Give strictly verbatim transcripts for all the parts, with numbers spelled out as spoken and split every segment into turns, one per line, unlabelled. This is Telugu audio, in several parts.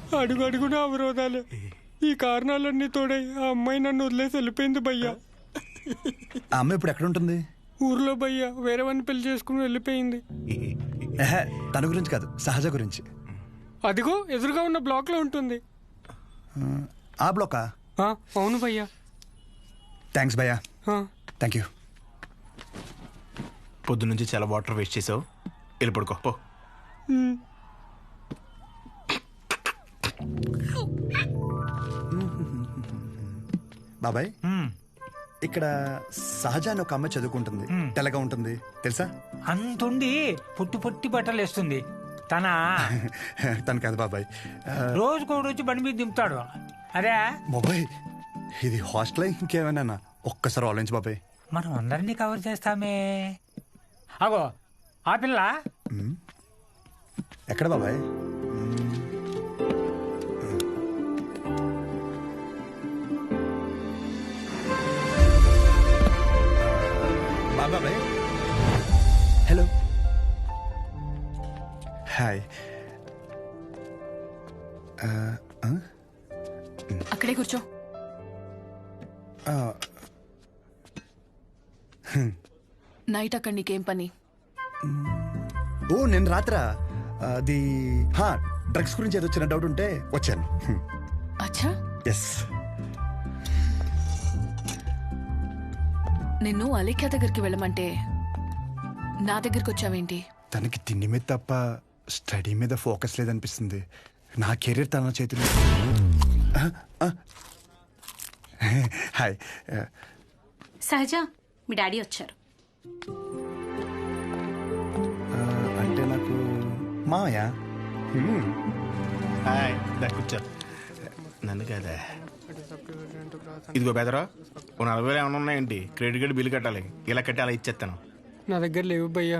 అడుగు అడుగున అవరోధాలే. ఈ కారణాలన్నీ తోడై ఆ అమ్మాయి నన్ను వదిలేసి వెళ్ళిపోయింది భయ్యా.
ఆ అమ్మాయి ఇప్పుడు ఎక్కడ ఉంటుంది?
ఊర్లో భయ్యా, వేరే వాడిని పెళ్లి చేసుకుని వెళ్ళిపోయింది.
తన గురించి కాదు, సహజ గురించి.
అదిగో ఎదురుగా ఉన్న బ్లాక్ లో ఉంటుంది.
ఆ బ్లాకా?
అవును భయ్యా.
థ్యాంక్స్ భయ్యా. Thank you.
పొద్దు నుంచి చాలా వాటర్ వేస్ట్ చేసావు, వెళ్ళి పడుకో పో.
బాబాయ్, ఇక్కడ సహజ అని ఒక అమ్మాయి చదువుకుంటుంది, తెల్లగా ఉంటుంది తెలుసా?
అంతుండి పుట్టి పుట్టి బట్టలు వేస్తుంది. తన
తను కాదు బాబాయ్,
రోజుకో రోజు బండి మీద దింపుతాడు. అరే
బాబాయ్, ఇది హాస్టల్ ఇంకేమైనా? ఒక్కసారి ఆలోచించు బాబాయ్.
మనం అందరినీ కవర్ చేస్తామే. అగో ఆ పిల్ల
ఎక్కడ బాబాయ్? బాబాయ్ హలో, హాయ్.
అక్కడే కూర్చో. నైట్ అక్కడ నీకేం పని?
ఓ నేను రాత్రా అది డ్రగ్స్ గురించి ఏదో చిన్న డౌట్ ఉంటే వచ్చాను.
అచ్చా.
ఎస్.
నిన్ను అలేఖ్య దగ్గరికి వెళ్ళమంటే నా దగ్గరికి వచ్చావేంటి?
తనకి తిండి మీద తప్ప స్టడీ మీద ఫోకస్ లేదనిపిస్తుంది. నా కెరీర్ తన చేతిలో. హాయ్.
సహజ, మీ డాడీ వచ్చారు.
అంటే నాకు మాయా.
హాయ్, కూర్చో. నన్ను కదా. ఇదిగో బెదరా, ఓ నలభై వేలు ఏమైనా ఉన్నాయండి? క్రెడిట్ కార్డు బిల్లు కట్టాలి, ఇలా కట్టి అలా ఇచ్చేస్తాను.
నా దగ్గర లేవు భయ్యా.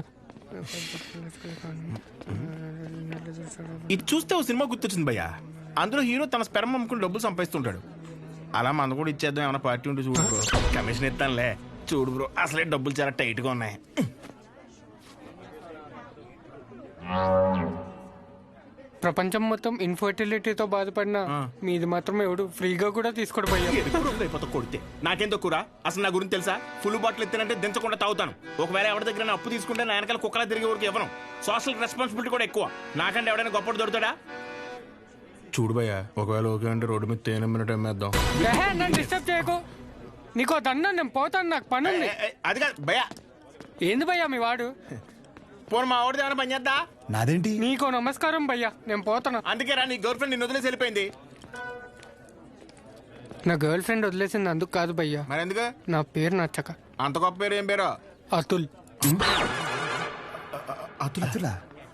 ఇది చూస్తే ఓ సినిమా గుర్తొచ్చింది భయ్యా. అందులో హీరో తన స్పెర్మ్ అమ్ముకుని డబ్బులు సంపాదిస్తుంటాడు. అలా మన కూడా ఇచ్చేద్దాం, ఏమైనా పార్టీ ఉంటే చూడు బ్రో. కమిషన్ ఇస్తానులే. చూడు బ్రో, అసలే డబ్బులు చాలా టైట్ గా ఉన్నాయి.
ప్రపంచం మొత్తం ఇన్ఫర్టిలిటీతో బాధపడినా మీది మాత్రం ఎవడు ఫ్రీగా కూడా తీసుకోడు భయ్యా.
అయిపోతా కొడితే నాకేం తక్కువ? అసలు నా గురించి తెలుసా? ఫుల్ బాటిల్ ఎత్తానంటే దించకుండా తాగుతాను. ఒకవేళ ఎవరి దగ్గర అప్పు తీసుకుంటే నా వెనకాల కుక్కలా తిరిగే వరకు ఇవ్వను. సోషల్ రెస్పాన్సిబిలిటీ కూడా ఎక్కువ. నాకంటే ఎవడైనా గొప్పడు దొరుకుతాడా? చూడు భయ్యా, ఒకవేళ ఓకే అంటే రోడ్డు మీద తేనె మినిట్ అమ్మేద్దాం.
నన్ను డిస్టర్బ్ చేయకు. నీకో దన్నా, నేను పోతాను, నాకు పని ఉంది.
అది కాదు భయ్యా.
ఏంది భయ్యా మీ వాడు?
పోను, మా ఆవిడది ఏమైనా పని చేద్దా?
నాదేంటి?
నీకో నమస్కారం భయ్యా, నేను పోతాను.
అందుకే రా, నీ గర్ల్ ఫ్రెండ్ నిన్ను వదిలేసి వెళ్ళిపోయింది.
నా గర్ల్ ఫ్రెండ్ వదిలేసింది అందుకు కాదు భయ్యా.
మరి ఎందుకు?
నా పేరు నచ్చక.
అంత గొప్ప పేరు ఏం పేరు?
అతుల్.
అతులా?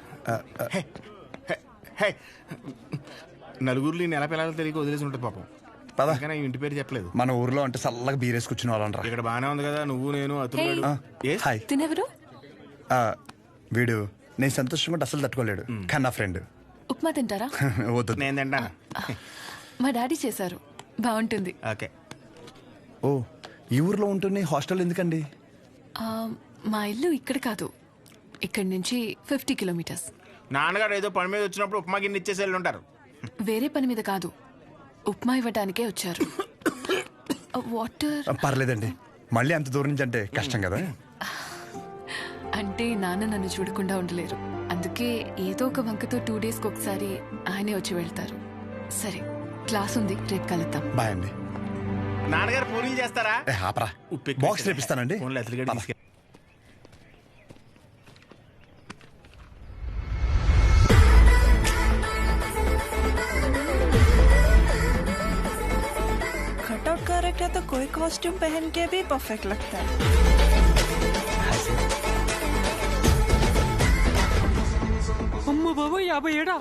నలుగురిలో నెల పిల్లలు తెలియక వదిలేసి ఉంటుంది పాపం.
పదా,
ఇంటి పేరు చెప్పలేదు.
మన ఊర్లో అంటే చల్లగా బీరేసి కూర్చుని వాళ్ళంటారు.
ఇక్కడ బానే ఉంది కదా, నువ్వు నేను అతులు.
హాయ్.
తినెవరు?
వీడు నేను సంతోషంగా ఉంటే అసలు తట్టుకోలేడు, కానీ నా ఫ్రెండ్.
ఉప్మా తింటారా?
వద్దు,
నేను తింటాను.
మా డాడీ చేశారు, బాగుంటుంది.
ఓకే.
ఓ, ఈ ఊర్లో ఉంటుంది, హాస్టల్ ఎందుకండి?
మా ఇల్లు ఇక్కడ కాదు, ఇక్కడి నుంచి ఫిఫ్టీ కిలోమీటర్స్.
నాన్నగారు ఏదో పని మీద వచ్చినప్పుడు ఉప్మా గిన్నె ఇచ్చేసి వెళ్ళి ఉంటారు.
వేరే పని మీద కాదు, ఉప్మా ఇవ్వడానికే వచ్చారు. వాటర్
పర్లేదండి, మళ్ళీ అంత దూరం నుంచి అంటే కష్టం కదా.
అంటే నాన్న నన్ను చూడకుండా ఉండలేరు, అందుకే ఏదో ఒక వంకతో టూ డేస్కి ఒకసారి ఆయనే వచ్చి వెళ్తారు. సరే, క్లాస్ ఉంది, రేపు కలుద్దాం.
బాయ్ అండి.
నాన్నగారు పూరీలు చేస్తారా?
ఆపరా, బాక్స్ రేపిస్తానండి.
कटआउट कैरेक्टर तो कोई कॉस्ट्यूम पहन के भी परफेक्ट लगता है.
అమ్మ బాబు, యాభై ఏడా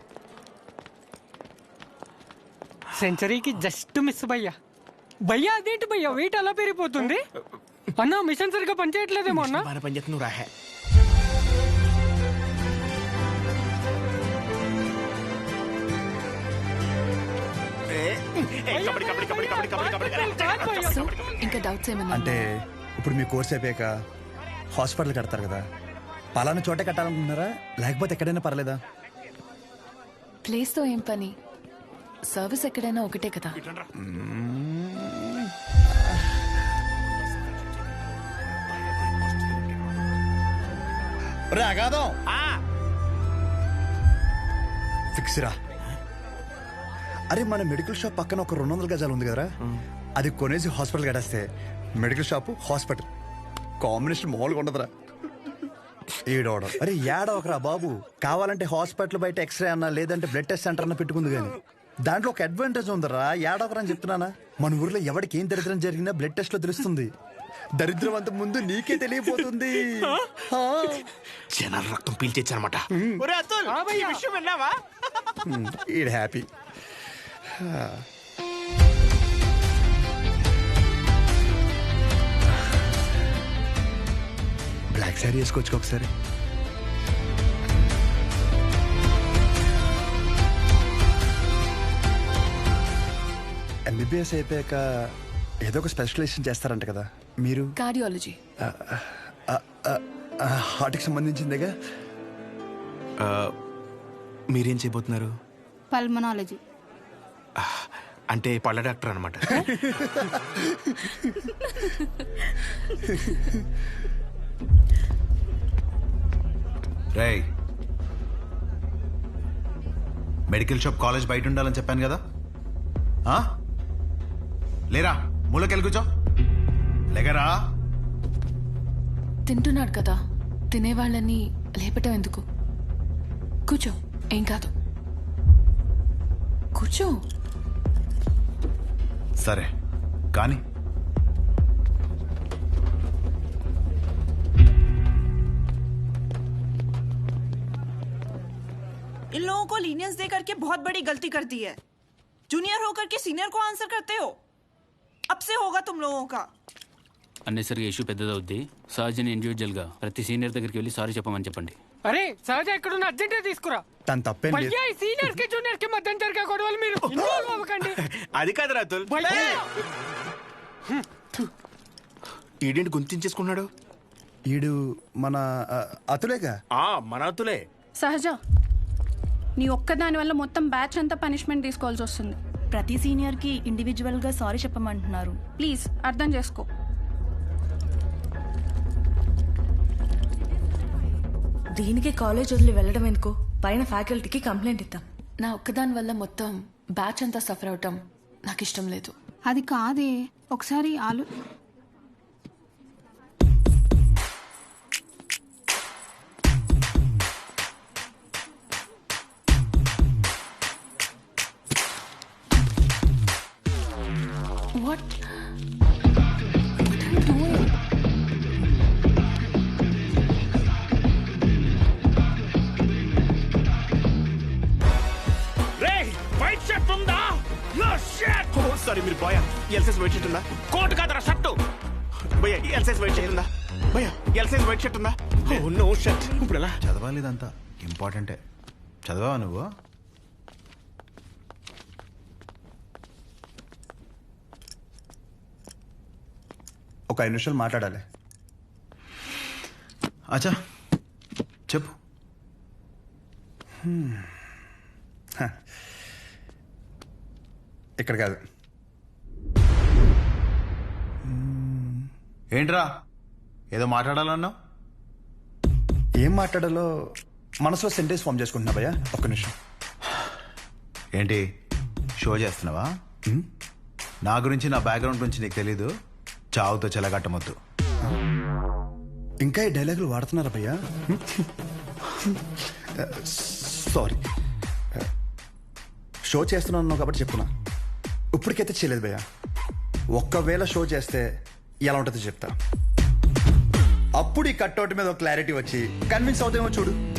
సెంచరీకి జస్ట్ మిస్ భయ్యా. భయ్యా అదేంటి భయ్యా, వెయిట్ అలా పెరిగిపోతుంది? అన్నా మిషన్ సరిగ్గా పనిచేయట్లేదేమో అన్నా.
పనిచేస్తున్నావు రా.
ఇంకా డౌట్స్ ఏమన్నా?
అంటే ఇప్పుడు మీ కోర్స్ అయిపోయాక హాస్పిటల్ కడతారు కదా, పలానా చోటే కట్టాలనుకుంటున్నారా లేకపోతే ఎక్కడైనా పర్లేదా?
ప్లేస్ తో ఏం పని, సర్వీస్ ఎక్కడైనా ఒకటే కదా.
రే అగాదం ఫిక్స్ రా. అరే మన మెడికల్ షాప్ పక్కన ఒక రెండు వందల గజాలు ఉంది కదరా, అది కొనేసి హాస్పిటల్ కట్టేస్తే మెడికల్ షాప్ హాస్పిటల్ కాంబినేషన్ మామూలుగా ఉండదురా. ఏడవడం అరే ఏడవకరా బాబు, కావాలంటే హాస్పిటల్ బయట ఎక్స్రే అన్నా లేదంటే బ్లడ్ టెస్ట్ సెంటర్ అన్న పెట్టుకుంది కానీ దాంట్లో ఒక అడ్వాంటేజ్ ఉందరా. ఏడవకరా అని చెప్తున్నానా. మన ఊర్లో ఎవరికి ఏం దరిద్రం జరిగినా బ్లడ్ టెస్ట్ లో తెలుస్తుంది. దరిద్రం అంత ముందు నీకే తెలియపోతుంది.
జనాల రక్తం పీల్చేచ్చనమాట. విషయం విన్నావా?
ఈడ్ హ్యాపీ. బ్లాక్ శారీ వేసుకోవచ్చు ఒకసారి. ఎంబీబీఎస్ అయిపోయాక ఏదో ఒక స్పెషలైజేషన్ చేస్తారంట కదా మీరు?
కార్డియాలజీ.
హార్ట్కి సంబంధించిందేగా.
మీరేం చేయబోతున్నారు?
పల్మనాలజీ.
అంటే పళ్ళ డాక్టర్ అనమాట.
రేయ్, మెడికల్ షాప్ కాలేజ్ బయట ఉండాలని చెప్పాను కదా. ఆ? లేరా, మూలకెళ్ళి కూర్చో. లేకరా.
తింటున్నాడు కదా, తినేవాళ్ళని లేపటం ఎందుకు? కూర్చో, ఏం కాదు. కూర్చో.
సరే కానీ
इन लोगों को लीनियंस दे करके बहुत बड़ी गलती कर दी है. जूनियर होकर के सीनियर को आंसर करते हो. अब से होगा तुम लोगों का.
అన్నెసరిగా ఇష్యూ పెద్దదవుద్ది. సహజని ఇండివిజువల్ గా ప్రతి సీనియర్ దగ్గరికి వెళ్ళి సారీ చెప్పమని చెప్పండి.
అరే సహజ ఎక్కడున్న అర్జెంట్ తీసుకురా.
తను తప్పేం లేదు.
భయ్యా సీనియర్ కి జూనియర్ కి మధ్య జరిగే గొడవలు మీరు ఇన్వాల్వ్ అవ్వకండి.
అది కాదు రాతుల్. ఈడేంటి గుంతించేసుకున్నాడు?
ఈడు మన ఆ, అతులేగా.
ఆ మన అతులే.
సహజ, నీ ఒక్కదాని వల్ల మొత్తం బ్యాచ్ అంతా పనిష్మెంట్ తీసుకోవాల్సి వస్తుంది.
ప్రతి సీనియర్ కి ఇండివిజువల్ గా సారీ చెప్పమంటున్నారు.
ప్లీజ్ అర్థం చేసుకో.
దీనికి కాలేజ్ వదిలి వెళ్ళడం ఎందుకు? పైన ఫ్యాకల్టీకి కంప్లైంట్ ఇద్దాం.
నా ఒక్కదాని వల్ల మొత్తం బ్యాచ్ అంతా సఫర్ అవటం నాకు ఇష్టం లేదు.
అది కాదే, ఒకసారి ఆలు
What? What are you doing?
రేయ్, వైట్ షర్ట్ ఉందా? No shirt. ఓ సారీ, మీరు బాయ్. ఎల్సైజ్ వైట్ షర్ట్ ఉందా? కోట్ కాదరా, షర్ట్. భయ్యా ఎల్సైజ్ వైట్ షర్ట్ ఉందా? భయ్యా ఎల్సైజ్ వైట్ షర్ట్ ఉందా? Oh no shirt. ఇప్పుడు ఎలా
చదవాలి, ఇదంతా ఇంపార్టెంటే. చదవా నువ్వు?
ఒక ఐదు నిమిషాలు మాట్లాడాలి.
అచ్చా చెప్పు.
ఇక్కడ కాదు.
ఏంట్రా ఏదో మాట్లాడాలన్నావు?
ఏం మాట్లాడాలో మనసులో సెంటెన్స్ ఫామ్ చేసుకుంటున్నా భయ్యా. ఒక్క నిమిషం.
ఏంటి షో చేస్తున్నావా? నా గురించి, నా బ్యాక్గ్రౌండ్ గురించి నీకు తెలీదు. చావుతో చెలగట్టమొద్దు.
ఇంకా ఈ డైలాగులు వాడుతున్నారా భయ్యా? సారీ, షో చేస్తున్నాను కాబట్టి చెప్తున్నా. ఇప్పటికైతే చేయలేదు భయ్యా. ఒక్కవేళ షో చేస్తే ఎలా ఉంటుందో చెప్తా. అప్పుడు ఈ కట్అవుట్ మీద ఒక క్లారిటీ వచ్చి కన్విన్స్ అవుతామో చూడు.